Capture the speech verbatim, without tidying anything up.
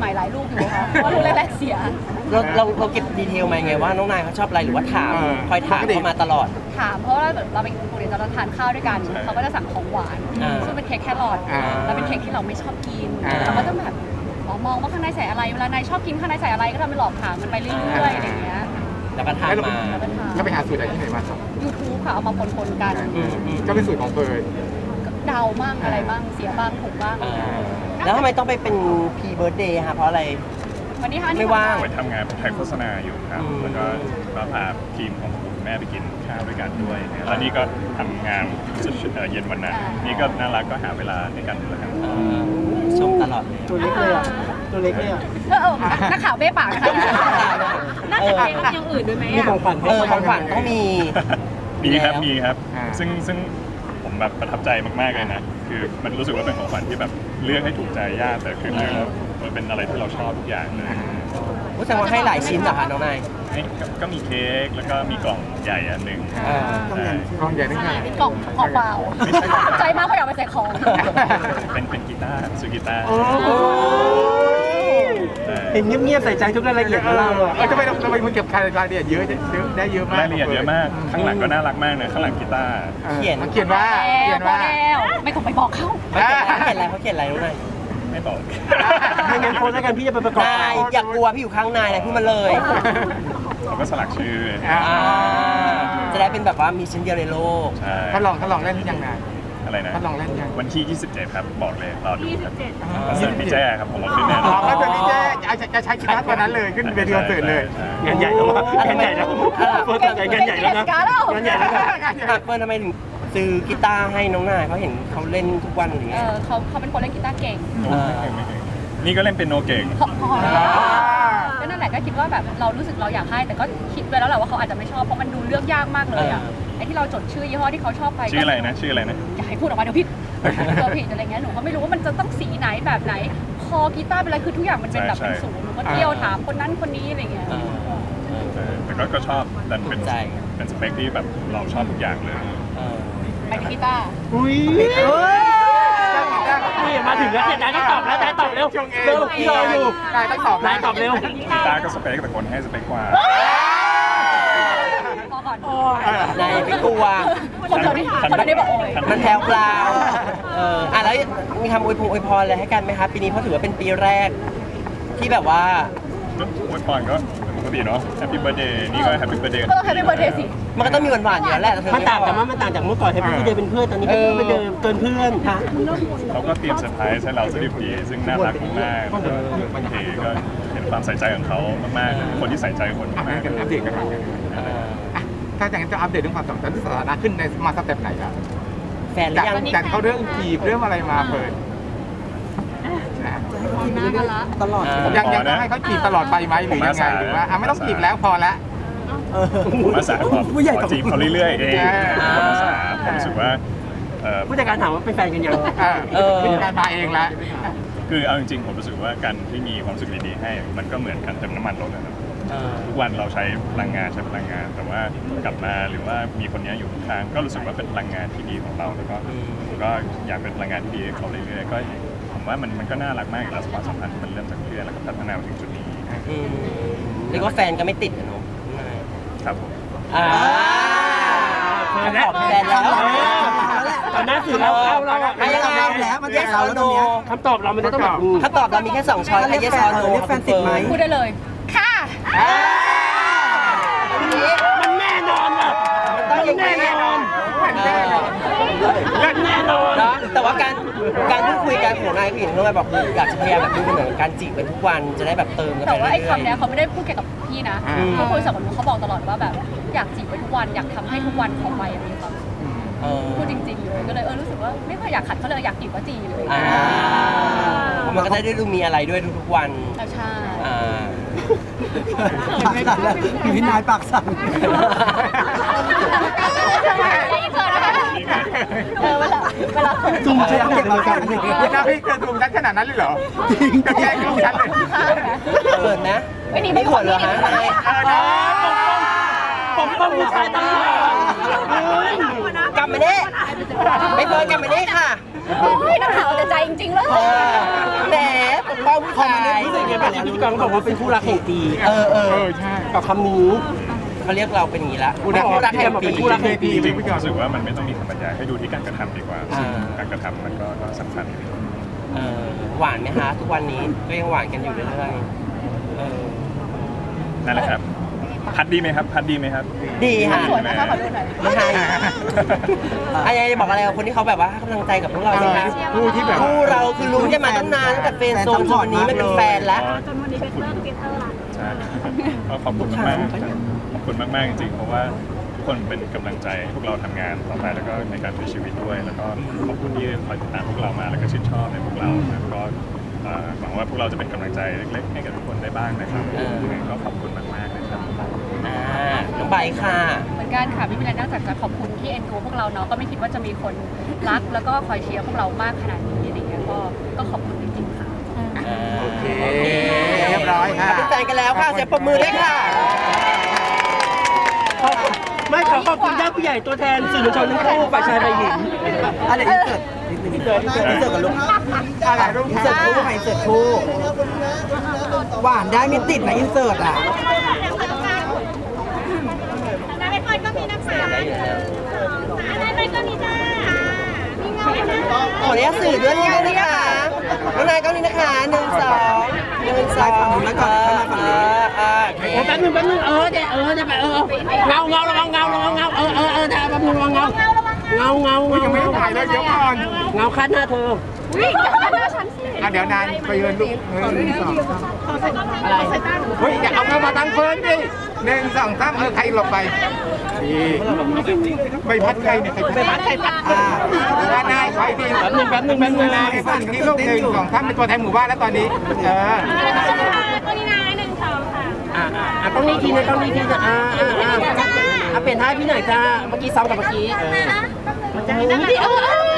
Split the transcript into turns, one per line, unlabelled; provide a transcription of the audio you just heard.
หม่ๆหลายลูกอยู่ค่ะเพราะลูกแรกๆเสีย
เราเราเราเก็บดีเทลมาไงว่าน้องนายเขาชอบอะไรหรือว่าถามคอยถามเขามาตลอด
ถามเพราะว่าเราเป็นปกติเราทานข้าวด้วยกันเขาก็จะสั่งของหวานซึ่งเป็นเค้กแครอทแล้วเป็นเค้กที่เราไม่ชอบกินเราก็จะแบบมองว่าข้างในใส่อะไรเวลานายชอบกินข้างในใส่อะไรก็ทำเป็นหลอกถามมันไปเรื่อยๆอะไรอย่างเงี้ย
แล้วก็ทำมา
แล้วไปหาสูตรอะไรที่ไหนมาครับ
ยูทูบค่ะเอามาปนๆกัน
ก็เป็นสูตรของเฟิร์น
เดาบ้างอะไรบ้างเสียบ้างถูกบ้าง
แล้วทำไมต้องไปเป็นพีเบิร์ดเดย์คะเพราะอะไร
วันนี้ค่ะ
ไม่ว่าง
ไปทำงานถ่ายโฆษณาอยู่ครับแล้วก็ก็พาทีมของคุณแม่ไปกินข้าวด้วยกันด้วยแล้วนี่ก็ทำงานเย็นวันนั้นนี่ก็น่ารักก็หาเวลาในการดูแลกัน
ชมตลอด
ตัวเล็กเลยอ่ะตัวเล็กเลยอ่ะ
เออนักข่าวเบ้ปากนะคะน่าจะมีอย่างอื่นด้วยไหม
มีของขวัญ
เออของขวัญต้องมี
มีครับมีครับซึ่งซึ่งผมแบบประทับใจมากๆเลยนะคือมันรู้สึกว่าเป็นของขวัญที่แบบเลือกให้ถูกใจยากแต่คือเลือกแล้วมันเป็นอะไรที่เราชอบทุกอย่างเลย
แสดงว่าให้หลายชิ้นเหรอคะน้องนาย
ก็มีเค้กแล้วก็มีกล่องใหญ่อันหนึ่ง
กล่องใหญ่ด้วยไง
มีกล่องของเปล่าใจมากเขาอยากไปใส่ของ
เป็นเป็นกีตาร์ซูกีตาร์
เห็นเงียบๆใส่ใจทุกรายละเอียดของเราอ่ะ
ทำไมทำไมคุณเก็บรายละเอียดเยอะเยอะได้เยอะมาก
รายละเอียดเยอะมากข้างหลังก็น่ารักมากเลยข้างหลังกีตาร์
เขียน
เขียนว่าเขียนว่า
ไม่ต้องไปบอกเขา
เขาเขียนอะไรเขาเขียนอะไรรู้ไหม
ไม่บอก
ไม่งั้นโพสแล้วกันพี่จะไปประกอบ
นายอย่ากลัวพี่อยู่ข้างนายเลยพูดมาเลย
เขาก็สลักชื่อ
จะได้เป็นแบบว่ามีชิ้นเดียวในโลก
เขาลองเขาลองเล่นยังไง
อะไรนะ
เขาลองเล่นยัง
วันที่ยี่สิบเจ็ดครับบอกเลยรอดูครับคอนเสิร์ตพี่แจ้ครับผมมาขึ้นแน่นอน
คอนเสิร์ตพี่แจ้จะใช้กีตาร์ตัวนั้นเลยขึ้นเวทีคอนเสิร์ตเลย
งานใหญ่แล้วงานใหญ่แล้วเฟิร์สงานใหญ่แล้วนะงานใหญ่แล้ว
เฟิร์สทำไมถึงซื้อกีตาร์ให้น้องนายเขาเห็นเขาเล่นทุกวันอย่างเงี้ย
เขาเขาเป็นคนเล่นกีตาร์เก่ง
นี่ก็เล่นเป็นโนเก่ง
ก็นั่นแหละก็คิดว่าแบบเรารู้สึกเราอยากให้แต่ก็คิดไว้แล้วแหละว่าเขาอาจจะไม่ชอบเพราะมันดูเลือกยากมากเลยอ่ะไอ้ที่เราจดชื่อยี่ห้อที่เขาชอบไป
ชื่ออะไรนะชื่ออะไรนะ
อย่าให้พูดออกมาเดี๋ยวผิดเดี๋ยวผิดอะไรเงี้ยหนูก็ไม่รู้ว่ามันจะต้องสีไหนแบบไหนคอกีตาร์เป็นอะไรคือทุกอย่างมันเป็นแบบเป็นสูงหนูก็เที่ยวถามคนนั้นคนนี้อะไรเงี้ย
แต่ก็ชอบดันเป็นเป็นสเปคที่แบบเราชอบทุกอย่างเลย
ไปที่กีตาร์
อุ้ยนี่มาถึงแล้วนายต้องตอบแล้วนายตอบเร็วเร็วพี่รออยู่
นายต้องตอบ
นายตอบเร็ว
กีตาร์ก็สเปคแต่คนให้สเปคกว่า
พอก่อน
นายไม่กลัว
คนเราได้คนเราได้บอก
มันแถวเปล่าเอออ่ะแล้วมีคำอวยพงอวยพรอะไรให้กันไหมคะปีนี้เพราะถือว่าเป็นปีแรกที่แบบว่า
ก็อวยพรก็ปกติเนาะ Happy Birthday นี่ก็ Happy Birthday
ก็ต้อง Happy Birthday สิ
มันก็ต้องมีหวานๆอยู่แล้วแหละ
มันต่างกันมันต่างจากเมื่อก่อน Happy Birthday เป็นเพื่อนตอนนี้ Happy Birthday เกินเพื่อนค่ะ
เขาก็เตรียมเซอร์ไพรส์ให้เราสนิทดีซึ่งน่ารักมากโอเคก็เห็นความใส่ใจของเขามากๆคนที่ใส่ใจคนมาก
ๆอัปเดตกันถ้าอย่างนั้นจะอัปเดตเรื่องความสัมพันธ์สถานะขึ้นในมาสเต็ปไหนครับ
แฟนหรือยัง
จากเขาเรื่องจีบเรื่องอะไรมาเปิด
ตลอด
ยังยังให้เขาจีบตลอดไปไหมหรือยังไงหรือว่าไม่ต้องจีบแล้วพอละ
ผมอาสาขอจีบเขาเรื่อยๆเองผมอาสาผมรู้สึกว่า
ผู้จัดการถามว่าเป็นแฟนกันยัง
ผู้จัดการมาเองละ
คือเอาจริงๆผมรู้สึกว่าการที่มีความสุขดีๆให้มันก็เหมือนกันเติมน้ำมันรถนะครับทุกวันเราใช้พลังงานใช้พลังงานแต่ว่ากลับมาหรือว่ามีคนนี้อยู่ข้างก็รู้สึกว่าเป็นพลังงานที่ดีของเราแล้วก็ก็อยากเป็นพลังงานที่ดีให้เขาเรื่อยๆก็ผมว่ามันมันก็น่ารักมากอยู่แล้วความสัมพันธ์มันเริ่มจากเพื่อนแล้วก็พัฒนามาถึงจุดนี้
เรียกว่าแฟนก็ไม่ติดนะน้อง
ครับผม
อ่าขอบแฟนแล้ว
ตอนนั้นสื่อเราเราเรา
ไม่ยังไงแล้วมัน yes or no
คำตอบเรามันจะต้องแบบ
คำตอบเรามีแค่สองช้อย yes or no
เรียกแฟนติดไหม
พูดได้เลยค่ะ
มันแน่นอนอ่ะมันแน่นอนแน่นอน
นะแต่ว่าการการพูดคุยกันของนายผู้หญิงน้องนายบอกอยากจะพยายามแบบดูเหมือนการจีบไปทุกวันจะได้แบบเติมกันไป
แต่ว่าไอ้คำนี้เขาไม่ได้พูดเกี่ยวกับพี่นะเขาคุยกับหนูเขาบอกตลอดว่าแบบอยากจีบไปทุกวันอยากทำให้ทุกวันของไปมีความสุขพูดจริงๆเลยก็เลยเออรู้สึกว่าไม่ค่อยอยากขัดเขาเลยอยากจีบก็จีบเลย
มันก็ได้ดูมีอะไรด้วยทุกๆวัน
ใช่
อยู่ที่นายปากสั่น
เออเวลาเวลา
จุ่มจะเก็บเรากัน
นี่นะพี่เกิดจุ่มฉันขนาดนั้นเลยเหรอจริงจะแย่งลูกฉันเลย
เกิดนะ
ไม่หนี
ไม่
ข
วดเหรอฮะ
ปกป้องผู้ชายตลอด
กลับมาเนี่ยไปเฟิร์นกลับมาเนี่ยค่ะ
โอ้ยนักข่าวเอาแต่ใจจริงๆเลย
เออแหมปกป้องผู้ชาย
รู้สึกยังไงบ้างที่พิธีกรเขาบอกว่าเป็นคู่รักแห่งปี
เออเอ
เอ
อ
อใช่
กับคำนี้
เขาเรียกเราเป็นอย่างนี้ละ
คู่รัก
คู่รักแห่งปี
คู่รักแห่งปี
จริงๆผมรู้สึกว่ามันไม่ต้องมีคำบรรยายให้ดูที่การกระทำดีกว่า
อ่า
การกระทำมันก็ก็สำคัญ
เออหวานไหมคะทุกวันนี้ก็ยังหวานกันอยู่เรื่อยๆเออ
นั่นแหละครับ พัดดีไหมครับ พัดดีไหมครับ
ดีค่ะ
สวยนะคะขอดูหน่อย
ไม่ใช่อะไรจะบอกอะไรกับคนที่เขาแบบว่าให้กำลังใจกับพวกเราสิคะ
คู่ที่แบบ
คู่เราคือลุ้นกันมาตั้งนานตั้งแต่เฟรนด์โซนจนวันนี้ไม่เป็นแฟนแล้ว
จนวันนี้เป็นเตอร์เกเตอร์ละใช่ก็ขอบคุณมากๆขอบคุณมากๆจริงๆเพราะว่าทุกคนเป็นกำลังใจให้พวกเราทำงานต่อไปแล้วก็ในการใช้ชีวิตด้วย แล้วก็ขอบคุณที่คอยติดตามพวกเรามาแล้วก็ชื่นชอบในพวกเราแล้วก็เอ่อหวังว่าพวกเราจะเป็นกำลังใจเล็กๆให้กับทุกคนได้บ้างนะครับ
เออ
ยังไงก็ขอบคุณมากๆนะครับ
อ่าน้องใบค่ะ
เหมือนกันค่ะไม่มีอะไรนอกจากจะขอบคุณที่เอ็นดูพวกเราเนาะก็ไม่คิดว่าจะมีคนรักแล้วก็คอยเชียร์พวกเรามากขนาดนี้อะไรเงี้ยก็ก็ขอบคุณจริงๆค่ะ
โอเคเรียบร้อยค่ะ
เป็นแฟนกันแล้วค่ะเสียงปรบมือด้วยค่ะ
ไม่ขอขอบคุณญาติผู้ใหญ่ตัวแทนสื่อมวลชนทั้งคู่ฝ่ายชายฝ่ายหญิง
อะไรอินเสิร์ตนิดนึงอินเสิร์ตอินเสิร์ตกับลูก
อะไรรูป
อินเสิร์ตคู่ใหม่อินเสิร์ตคู่หวานได้ไม่ติดนะอินเสิร์ตอ่ะ
น้าไปเฟิร์นก็มีนะคะอะไรไปก็มีจ้ามีเงาไหมคะ
ขออนุญาตสื่อด้วยนิดนึงนะคะน้องนายก็นี่นะคะหนึ่งสองหนึ่งสอง
ฝั่งนู้นแล้วก่อนค่อยมาฝั่งนี้
อ่า
โอ้แป๊บนึงแป๊บนึงเออเดี๋ยวเออเดี๋ยวไปเออเงาเงาระวังเงาระวังเงาเออเออเออเดี๋ยวแป๊บนึงระวังเงาเงาเงาเงา
ยังไม่ถ่ายเลยเดี๋ยวก่อน
เงาคาดหน้าเธอ
วิ่งจากหน้าฉันสิ
อ่ะเดี๋ยวนานไปเยือนลูกหนึ่งสอง
อะไร
เฮ้ยอย่าเอาเข้ามาตั้งเฟิร์นดิหนึ่งสองสามเออใครหลบไปดีไม่พัดใครเนี่ยใครไม่พัดใครพัดอ่าด้านนายไปดี
แป๊บนึงแป๊บนึงแป๊บนึง
นายสั่นที่ลูกหนึ่งสองสามเป็นตัวแทนหมู่บ้านแล้วตอนนี้เออ
ก็นี่นะหนึ่งสองค่ะ
อ่าอ่าต้องนี้ทีนะต้องนี้ทีนะอ่าอ่าอ่าอ่าเปลี่ยนท่าพี่หน่อยจ้าเมื่อกี้ซ้ำกับเมื่อกี้เออ
จ้าจ้าเออ